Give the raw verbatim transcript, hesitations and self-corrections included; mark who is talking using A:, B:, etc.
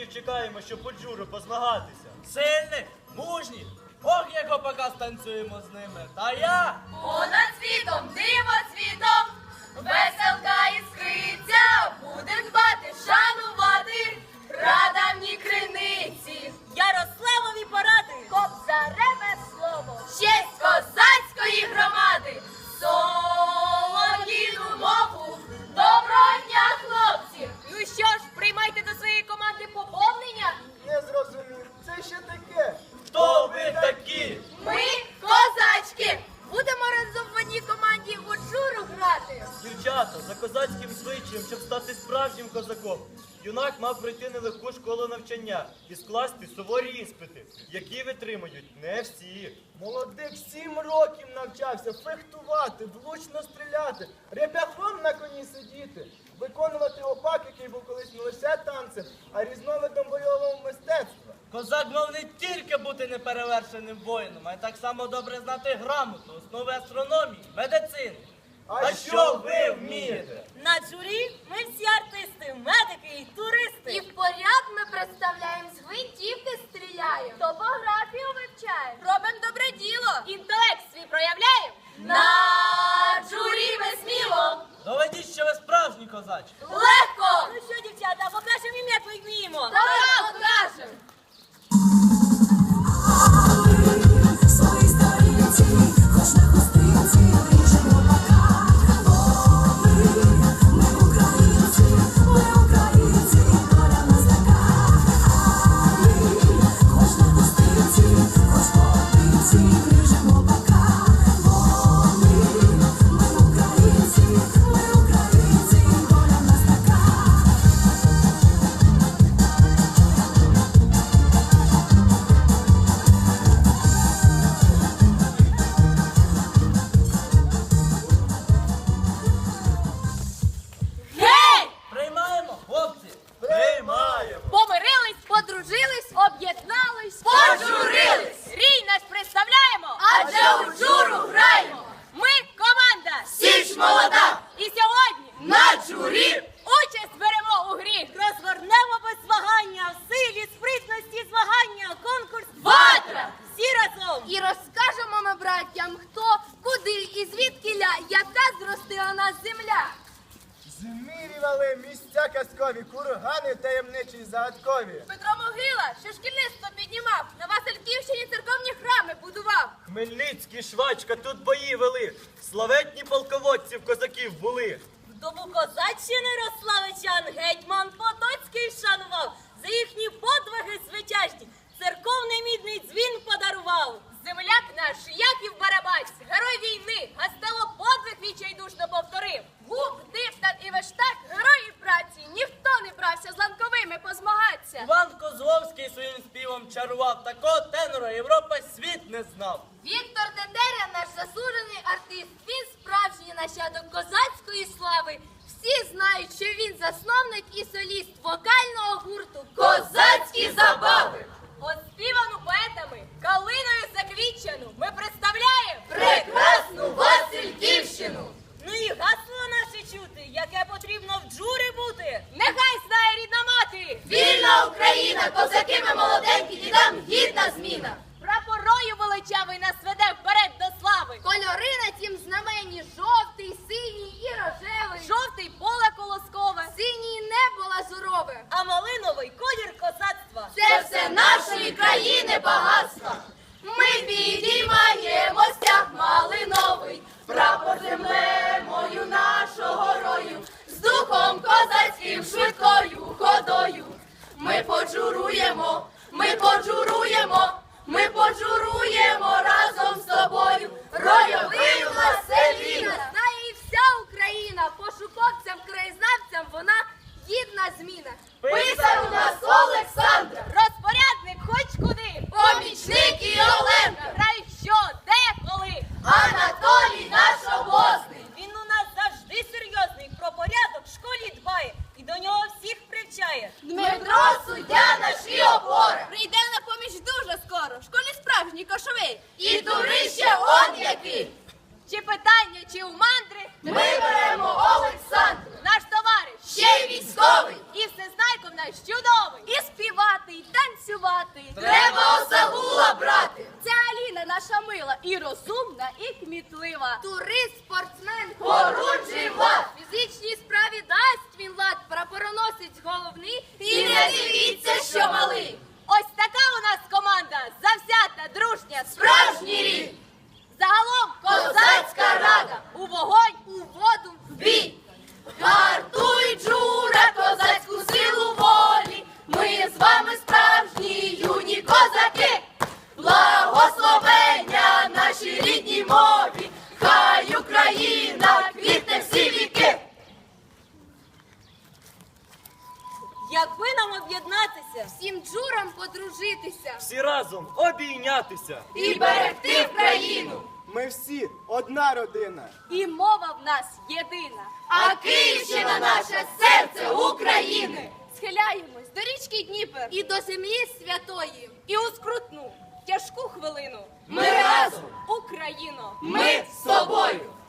A: козаків чекаємо, щоб по джуру позмагатися.
B: Сильних, мужніх, ох, як опака станцюємо з ними. Та я...
C: Понад світом, диво цвітом, веселка іскриться, будем дбати, шанувати прадавні криниці.
D: Ярославові поради,
C: Кобзареве слово, честь козацької громади, солов'їну мову, доброго дня, хлопці!
D: Ну що ж, приймайте до своєї команди поповнення.
E: Не зрозумів, це що таке?
A: Хто ви такі?
C: Ми козачки! Будемо разом в одній команді у джуру грати.
A: Дівчата, за козацьким звичаєм, щоб стати справжнім козаком, юнак мав пройти нелегку школу навчання і скласти суворі іспити, які витримують не всі.
E: Молодик сім років навчався фехтувати, влучно стріляти, реп'яхом на коні сидіти, виконувати опак, який був колись не лише танцем, а різновидом бойового мистецтва.
B: Козак мав не тільки бути неперевершеним воїном, а й так само добре знати грамоту, основи астрономії, медицини.
E: А що ви вмієте?
D: На джурі ми всі артисти, медики і туристи.
C: І в поряд ми представляємо, з гвинтівки стріляємо, топографію вивчаємо, робимо добре діло,
D: Інтелект свій проявляємо.
C: на джурі ми сміло,
B: Доведіть, що ви справжні козачі.
C: легко,
D: Ну що, дівчата, покажемо їм, як ми вміємо.
C: так покажемо.
F: Свої сторінці, хоч на хустинці, ріжемо бока. О, ми, ми українці, ми українці, доля нас така. А ми, хоч на хустинці, хоч по одинці, ріжемо бока. О, ми, ми українці, ми українці, доля нас така.
C: Гей!
B: Приймаємо, хлопці.
A: Приймаємо!
D: Помирились, подружились, об'єднались,
C: Пожурились!
D: Рій наш представляємо,
C: Адже у джуру граємо,
D: ми команда
C: Січ молода,
D: І сьогодні
C: на джурі
D: участь беремо у грі. Розгорнемо без вагання, в силі, спритності, змагання, конкурс
C: Ватра!
D: Всі разом.
C: І розкажемо ми братям, хто, куди і звідкіля, яка зростила нас земля.
E: Змірювали місця казкові, кургани таємничі й загадкові.
C: Петро Могила, що шкільництво піднімав, на Васильківщині церковні храми будував.
A: Хмельницький, Швачка, тут бої вели, славетні полководців козаків були.
D: Вдову козаччини Рославичан гетьман Потоцький вшанував. За їхні подвиги звитяжні церковний мідний дзвін подарував.
C: Земляк наш, Яків Барабась, герой війни, гастело подвиг відчайдушно повторив. Губ, Диптан і Вештак, герої праці, ніхто не брався з ланковими позмагатися.
B: Іван Козловський своїм співом чарував, такого тенора Європа світ не знав.
C: Віктор Тетеря, наш заслужений артист, він справжній нащадок козацької слави. Всі знають, що він засновник і соліст вокального гурту «Козацькі забави».
D: Оспівану поетами, калиною заквітчену ми представляємо
C: Прекрасну Васильківщину!
D: Ну і гасло наше чути, яке потрібно в джурі бути. Нехай знає рідна мати.
C: Вільна Україна, козаки ми молоденькі, дідам гідна зміна.
D: Прапорою величавий нас веде вперед до слави.
C: Кольори на тім знамені жовтий, синій і рожевий.
D: Жовтий поле колоскове,
C: Синій небо лазурове.
D: а малиновий колір козацтва.
C: Це все нашої країни багатства. Ми підіймаємо стяг малиновий, прапор землею нашого рою, з духом козацьким швидкою ходою. Ми поджуруємо, ми поджуруємо, ми поджуруємо разом з тобою. Ройовий Василіна. Знає і вся Україна, пошуковцям, краєзнавцям вона гідна зміна. Писар у нас Олександр,
D: Розпорядник хоч куди.
C: помічник і Оленка,
D: Грай що, де, коли.
C: Анатолій наш обозний.
D: Він у нас завжди серйозний, про порядок в школі дбає і до нього всіх привчає.
C: Дмитро суддя наш і опора. Прийде на поміч дуже скоро, в школі справжній кошовий. І турище он який.
D: Чи питання, чи у мандри,
C: Ми беремо Олександра,
D: наш товариш
C: ще й військовий.
D: і всезнайком наш чудовий.
C: І співає
D: й танцювати.
C: Треба осагула брати.
D: Ця Аліна наша мила і розумна, і кмітлива.
C: Турист, спортсмен, хоруджий влад. Фізичній справі дасть він лад, прапороносець головний. І не дивіться, що малий.
D: Ось така у нас команда, завзята, дружня,
C: Справжній рід.
D: Загалом
C: Козацька рада.
D: у вогонь,
C: У воду в бій. Гартуй, Джура, козацьку силу волі. Ми з вами справжні юні козаки. Благословення нашій рідній мові. Хай Україна квітне всі віки.
D: якби нам об'єднатися,
C: Всім джурам подружитися.
A: Всі разом обійнятися.
C: І берегти Україну.
E: Ми всі одна родина.
D: і мова в нас єдина.
C: А Київщина наша серце України.
D: Схиляємось до річки Дніпер
C: І до землі святої.
D: і у скрутну, тяжку хвилину.
C: Ми разом.
D: Україно!
C: Ми з тобою.